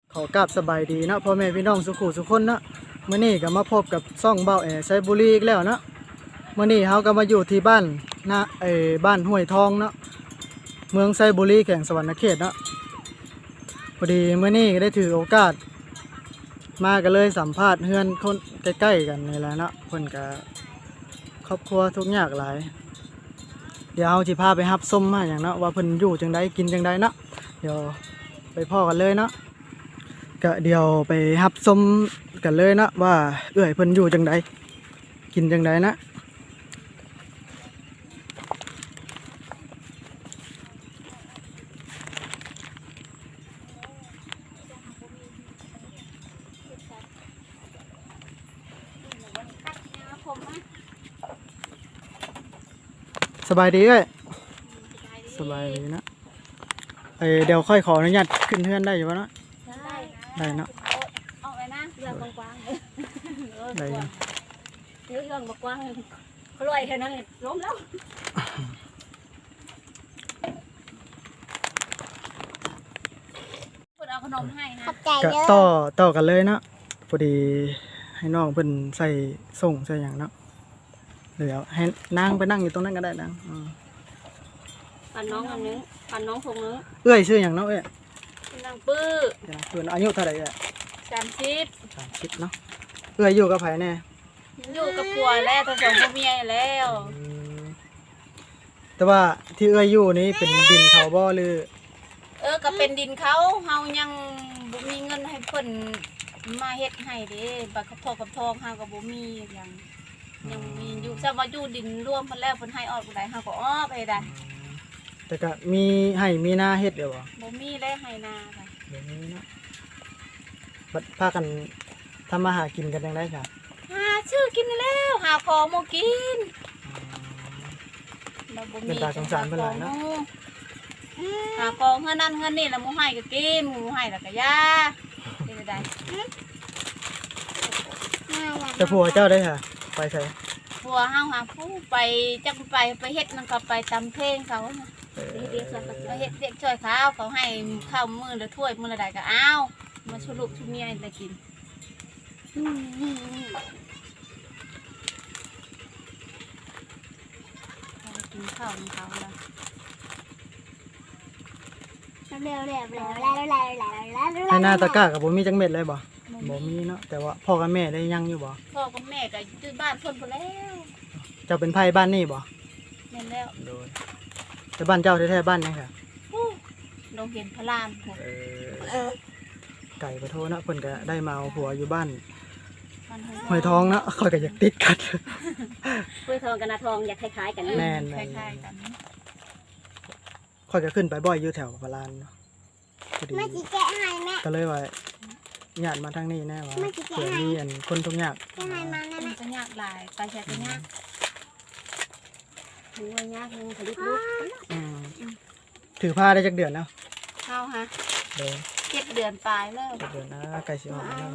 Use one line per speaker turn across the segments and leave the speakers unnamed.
ขอกราบสบายดีเนาะพ่อแม่พี่น้องสุขุสุขคนเนาะมื้อนี้ก็มาพบกับซ่องเบ้าแอไซบุรีอีกแล้วเนาะมื้อนี้เฮาก็มาอยู่ที่บ้านนะบ้านห้วยทองเนาะเมืองไซบุรีแขวงสวรรณเขตเนาะพอดีมื้อนี้ก็ได้ถือโอกาสมาก็เลยสัมภาษณ์เฮือนคนใกล้ๆกันนี่แหละเนาะเพิ่นก็ครอบครัวทุกข์ยากหลายเดี๋ยวเฮาสิพาไปรับชมมาหยังเนาะว่าเพิ่นอยู่จังได๋กินจังได๋เนาะเดี๋ยวไปพ้อกันเลยเนาะก็เดี๋ยวไปรับชมกันเลยเนาะว่าเอื้อยเพิ่นอยู่จังไดกินจังไดนะสบายดีเอ้ยสบายดีนะเดี๋ยวค่อยขออนุญาตขึ้นเฮือนได้อยู่บ่เนาะได้เนาะ
ออกไปนะเรื่องกว้างๆเลย
ได้อยู่
เรื่องกว้างเขาลอยแค่นั้นเลยล้มแล้วพูดเอาขนมให้นะ
ก็ต่อกันเลยเนาะพอดีให้น้องเพิ่นใส่ส่งใส่หยังเนาะเดี๋ยวให้นางไปนั่งอยู่ตรงนั้นก็ได้นาง
ปั่นน้องอันนึงปั่นน้องคงนึง
เอ้ยชื่อหยังเนาะเอ้ย
นางปื้อ
เพิ่นอายุเท่าไหร่เอ้ย
30
เนาะเอ้ยอยู่กับไผแน่
อยู่กับผัวแล้วทั้งสองผัวเมียแล้ว
แต่ว่าที่เอ้ยอยู่นี้เป็นดินเขาบ่หรือ
ก็เป็นดินเขาเฮายังบ่มีเงินให้เพิ่นมาเฮ็ดให้เด้บัดกับพ่อกับทองเฮาก็บ่มีอย่างยังมีอยู่ซะว่าอยู่ดินร่วมเพิ่นแล้วเพิ่นให้ออกบ่ได้เฮาก็ออกไปได้
แต่ก็มีให้มีหน้าเฮ็ดเด้อบ่
บ่มีได้ให้นาค่ะ
บ่มีเนาะบัดพากันทำมาหากินกันจังได๋จ้ะ
หาชื่อกินแล้วหาของบ่กินเราบ่มี
เป็นตาสงสารเพิ่นหลายเนาะ
หาของเฮือนั่นเฮือนี่แล้วหมู่ให้ก็กินหมู่ให้แล้วก็ยาเป็นได้
แต่ผัวเจ้าได้ค่ะไปไส
ผัวเฮาหาผู้ไปจักไปเฮ็ดนั่นก็ไปตำเพลงเขาเรียกไปเฮ็ดเรียกช่วยเขาให้ข้าวมื้อละถ้วยมื้อละใดก็เอามาชุลูกชุเมียได้กินกินข้าวของเขาแล้ว
ให้หน้าตะกร้ากับบ่มีจังเม็ดเลยบ่มีเนาะแต่ว่าพ่อกับแม่ได้ยังอยู่บ่
พ่อกับแม่ก็อยู่บ้านเพิ่นพุ่นแล้ว
เจ้าเป็นไผบ้านนี่บ่
แม่นแล้ว
โดยแต่บ้านเจ้าแท้ๆบ้านยังค่ะ
โรงเรียนพระราม
ไก่ประโทเนาะเพิ่นก็ได้มาเอาผัวอยู่บ้านห้วยทองเนาะค่อยก็อยากติดกัน
ห้วยทองกับนาทองอยากคล้ายๆกัน
แม่นคล้ายๆกันค่อยก็ขึ้นไปบ่อยอยู่แถวพระลานเนาะ
แม่สิแกะให้แม่
ก็เลยว่าญาติมาทางนี้แน่ว่าเผื่อมีอันคนทุกข์ยาก
มันจะยากหลายไปใช้ก็ยากถึงว่ายากนึงผลิตลูก
ถือผ้าได้จักเดือนแล้ว
เข้าฮะ7 เดือนปลายแล้ว
7 เดือนนะไก่สิออกแล้ว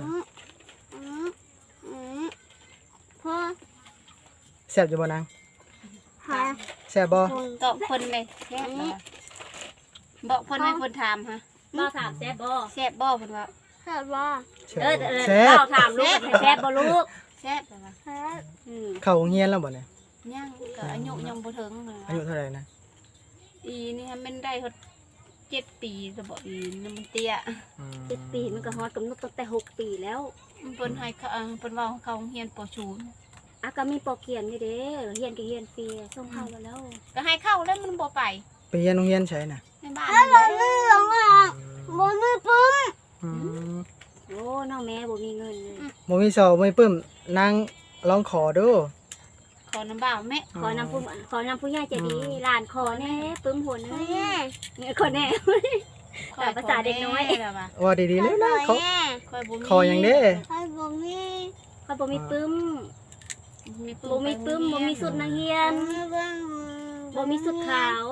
พ่อ
แซ่บอยู่บ่นางแซ่บบ่
ตอบคนเลยแซ่บบอกคนไม่คนถามฮะบ่ถามแซ่บบ่เพิ่นว่าแซ่บบ่เราถามลูกแซ่บบ่ลูกแซ่บ
เข้าโรงเรียนแล้วบ่เนี่ย
ยังก็อายุยังบ่ถึง
อายุเท่าไหร่นะ
อีนี่มันได้ฮอด7 ปีซะบ่อีนี่มันเตี้ย7 ปีมันก็ฮอดกำหนดตั้งแต่6 ปีแล้วเพิ่นให้เพิ่นว่าเขาโรงเรียนป.ศูนย์ก็มีป.เขียนอยู่เด้เรียนก็เรียนฟรีส่งเข้าแล้วก็ให้เข้าแล้วมันบ่ไป
เรียนโรงเรียนใช่น่ะ
ในบ้านบ่มีปึ้มโอ้น้องแม่บ่มีเงินเลย
บ่มีเสาบ่มีปึ้มนางลองขอดู
ขอน้ำบ่าวแม่ขอน้ำผู้ใหญ่ใจดีหลานขอแน่ปึ้มหัวนึงขอแน่ภาษาเด็กน้อย
ว่าดีๆเลยนะขออย่างเด้
เขาบ่มีปึ้มบ่มีสุดนักเรียนบ่มีสุดขาว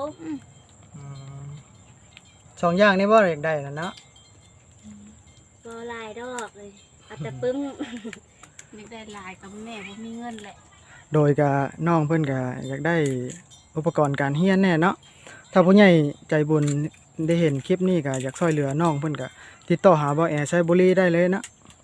2อย่างนี้บ่อยากได้น่ะเนาะ
บ่หลายดอกเลยเอาแต่ปึ้มอยากได้หลายกับแม่บ่มีเงินแหละ
โดยก็น้องเพิ่นก็อยากได้อุปกรณ์การเรียนแน่เนาะถ้าผู้ใหญ่ใจบุญได้เห็นคลิปนี้ก็อยากช่วยเหลือน้องเพิ่นก็ติดต่อหาบ่แอไซบุรีได้เลยนะ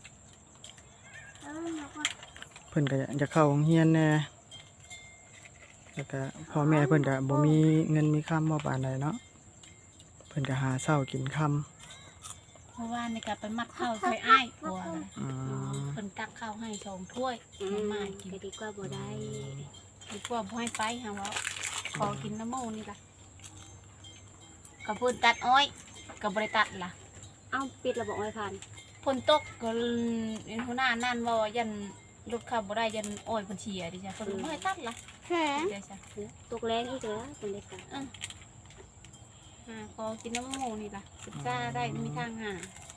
เพิ่นก็อยากเข้าโรงเรียนแหน่แล้วก็พ่อแม่เพิ่นก็บ่มีเงินมีคำบ่ปานใดเนาะเพิ่นก็หาเช้ากินค่ำ
เพราะว่าในการไปมัดข้าวใส่อ้ายกลัวเลย
อืม
เพิ่นตักข้าวให้2ถ้วยให้มากิน
ก็ดีกว่าบ่ได้
ดีกว่าบ่ให้ไปหาว่าขอกินน้ำมูนี่ล่ะก็เพิ่นตัดอ้อยก็บ่ได้ตัดล่ะ
เอ้าปิดระบบไว้พัน
ฝนตกก็หัวหน้านั่นว่ายันรถขับบ่ได้ยันอ้อยเพิ่นเสียดิจ้ะเพิ่นบ่ให้ตัดล่ะเดี๋ยวจ้ะ
ตกแรงอีกแล้วเป็นเด็กกัน
ขอกินน้ำมูนี่ล่ะศึกษาได้มีทางหา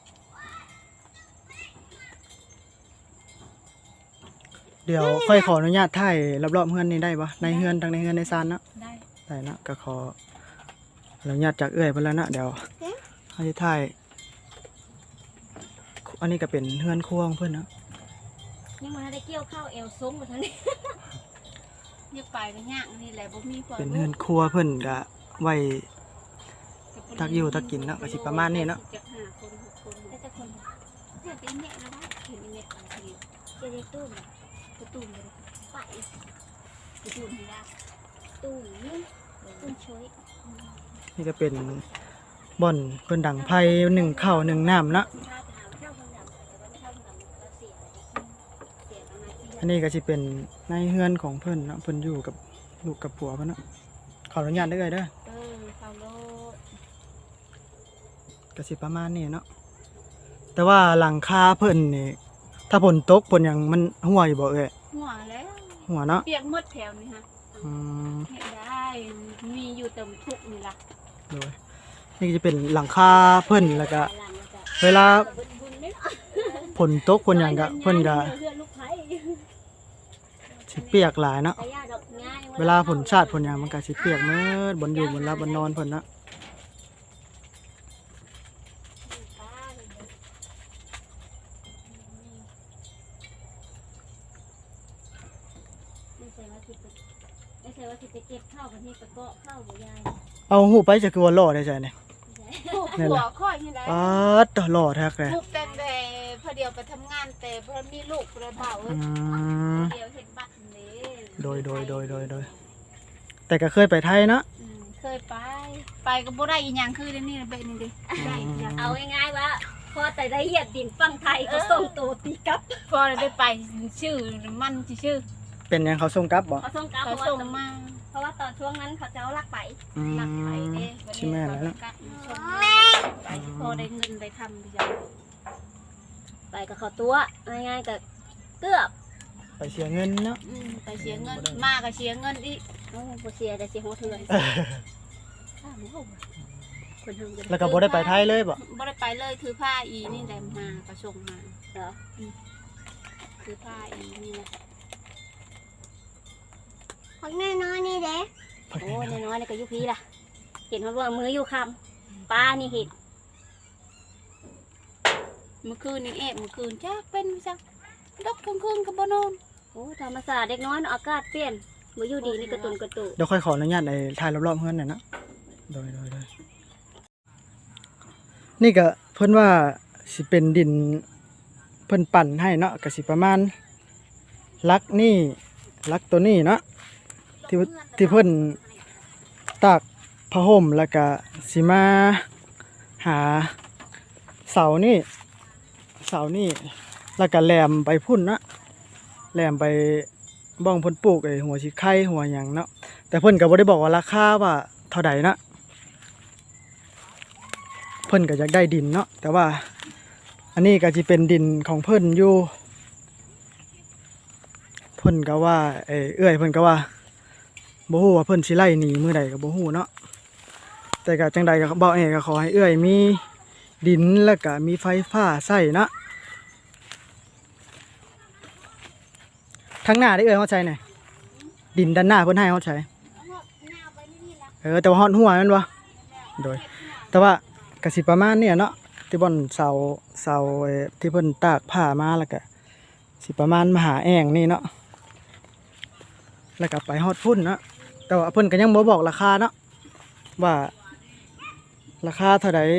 เดี๋ยวค่อยขออนุญาตถ่ายรอบๆเฮือนนี่ได้บ่ในเฮือนทั้งในเฮือนในซานเนาะ
ได้
ได้นะก็ขออนุญาตจากเอื้อยเพิ่นแล้วนะเดี๋ยวเฮาสิถ่ายอันนี้ก็เป็นเฮือนครัวของเพิ่นเนาะ
ยังมาได้เกี่ยวข้าวเอวซุ้งมาทั้งนี้
อยากไปก็ยากนี่แหละบ่มีความ
เป็นเฮือนครัวเพิ่นก็ไว้ตักอยู่ตักกินเนาะก็สิประมาณนี้เนาะ
จะ5คน6คนได้แต่คนเฮ็ดอีแม่แล้วได้เห็นอีแม่บางที
จะได้ตุ้ม
ประตูเลย
ไป
ประตูให้ได้
ตุ้มนี่ตุ้มช่วย
นี่ก็เป็นบ่อนเพิ่นดังไผนึ่งข้าวนึ่งน้ำเนาะ
ถ้าจะหาข้าวคนดำแต่ว่าไม่ข้าวคนดำก็เสียเสียประมาณที่
อันนี้ก็สิเป็นในเฮือนของเพิ่นเนาะเพิ่นอยู่กับลูกกับผัวเพิ่นเนาะขออนุญาตได้เลยเด้อ
เข้าโลด
ก็สิประมาณนี้เนาะแต่ว่าหลังคาเพิ่นนี่ถ้าฝนตกฝนหยังมันหัวอยู่บ่เอ้ย
หัวแล้ว
หัวเนาะ
เปียกหมดแถวนี่ฮะ
อืม
เฮ็ดได้มีอยู่เต็มทุกนี่ล่ะ
โดยนี่ก็จะเป็นหลังคาเพิ่นแล้วก็เวลาฝนตกฝนหยังก็เพิ่นก็สิเปียกหลายเนาะเวลาฝนชาติฝนหยังมันก็สิเปียกหมดบนอยู่บนรับบนนอนเพิ่นเนาะ
ไม่ใช่ว่าที่ไปเก็บข้าวกันที่ไปเกาะข้าวบ่ยาย
เอาหูไปจะคือว่าหล่อได้ใจเนี่ย นั่น
หั
แห
ว
ละ
ค่อยนี่แหละ
ป๊าดตหล่อแท้เลย
ลูกแต่พอเดียวไปทำงานแต่พอมีลูกประเบา
อืม
เดียวเห็นบัตรนี่
โดยแต่ก็เคยไปไทยเนาะ
เคยไปก็บ่ได้อีหยังคือเดี๋ยวนี้เป็นนี่ดิ
ได้เอาง่ายๆว่าพอแต่ได้เหยียบดินฝั่งไทยก็ส่งตัวตีกลับ
พอได้ไปชื่อมันชื่อ
เป็นหยังเขาส่งกลับบ่
เขาส่งกลับ
เขา
เพ
ส่
ราะ
ง
ว่า
มา
เพราะว่าตอนช่วงนั้นเขาจะเอาลักไป
อื
หลักไป
ม
เด้
ใช่แม่แล้วเนาะ
กัดส่งไปพอได้เงินได้ทำดีจัง
ไปกับเขาตัวง่ายๆกับเกือบ
ไปเสียเงินเนาะ
ไปเสียเงินมาก็เสียเงินอีก
โอ้โหเสียแต่เสียหัวเถื่อนคนทำกัน
แล้วก็บ่ได้ไปไทยเลยบ่
บ่ได้ไปเลยถือผ้าอีนี่ได้มาก็ส่งมา
เหรอ
ถือผ้าอีนี่แหละ
พักน้อยนี่เด้โอ้น้อยๆนี่ก็ยุพีล่ะเห็นว่ามืออยู่คำป้านี่เห็น
เมื่อคืนนี้เมื่อคืนจักเป็นจักดอกกลางคืนก็บ่นอน
โอ้ธรรมศาสตร์เด็กน้อยอากาศเปลี่ยนมืออยู่ดีนี่กระตุนกระตุ
เดี๋ยวค่อยขออนุญาตในถ่ายรอบๆเฮือนหน่อยเนาะโดยนี่ก็เพิ่นว่าสิเป็นดินเพิ่นปั่นให้เนาะก็สิประมาณลักนี่ลักตัวนี้เนาะที่เพิ่นตากผ้าห่มแล้วก็สิมาหาเสานี่แล้วก็แหลมไปพุ่นเนาะแหลมไปบ้องเพิ่นปลูกไอ้หัวสิไข่หัวหยังเนาะแต่เพิ่นก็บ่ได้บอกว่าราคาว่าเท่าใดนะเพิ่นก็อยากได้ดินเนาะแต่ว่าอันนี้ก็สิเป็นดินของเพิ่นอยู่เพิ่นก็ว่าเอื้อยเพิ่นก็ว่าบ่ฮู้ว่าเพิ่นสิไล่หนีมื้อใดก็บ่ฮู้เนาะแต่ก็จังใดก็บ่ก็ขอให้เอื้อยมีดินแล้วก็มีไฟฟ้าใช้เนาะทางหน้าได้เอื้อยเฮาใช้หน่อยดินด้านหน้าเพิ่นให้เฮาใช้ แต่ว่าฮอดหัวแม่นบ่โดยแต่ว่ากสิประมาณเนี่ยเนาะที่บ่อนเสาที่เพิ่นตากผ้ามาแล้วก็สิประมาณมหาแอ่งนี่เนาะแล้วก็ไปฮอดพุ่นเนาะแต่ว่าเพิ่นก็ยังบ่บอกราคาเนาะว่าราคาเท่าใด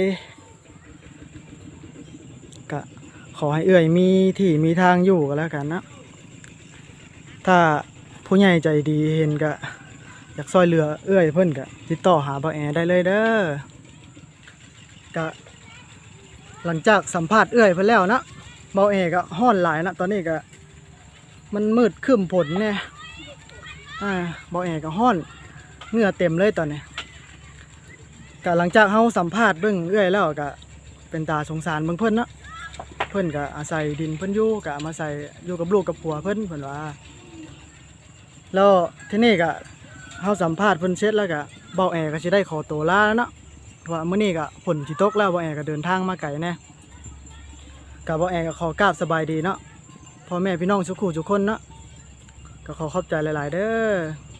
ก็ขอให้เอื้อยมีที่มีทางอยู่ก็แล้วกันนะถ้าผู้ใหญ่ใจดีเห็นก็อยากซอยเหลือเอื้อยเพิ่นก็ติดต่อหาบ่าวแอได้เลยเด้อก็หลังจากสัมภาษณ์เอื้อยเพิ่นแล้วนะบ่าวแอก็ฮ้อนหลายนะตอนนี้ก็มันมืดครึ้มฝนแน่บ่าวแอก็ฮ้อนเหงื่อเต็มเลยตอนนี้ก็หลังจากเฮาสัมภาษณ์เบิ่งเอื้อยแล้วก็เป็นตาสงสารเบิ่งเพิ่นเนาะเพิ่นก็อาศัยดินเพิ่นอยู่ก็มาใส่อยู่กับลูกกับผัวเพิ่นว่าแล้วทีนี้ก็เฮาสัมภาษณ์เพิ่นเสร็จแล้วก็เบาแอก็สิได้ขอตัวลาแล้วเนาะว่ามื้อนี้ก็ฝนสิตกแล้วเบาแอก็เดินทางมาไกลแน่ก็เบาแอก็ขอกราบสบายดีเนาะพ่อแม่พี่น้องทุกคู่ทุกคนเนาะก็ขอขอบใจหลายๆเด้อ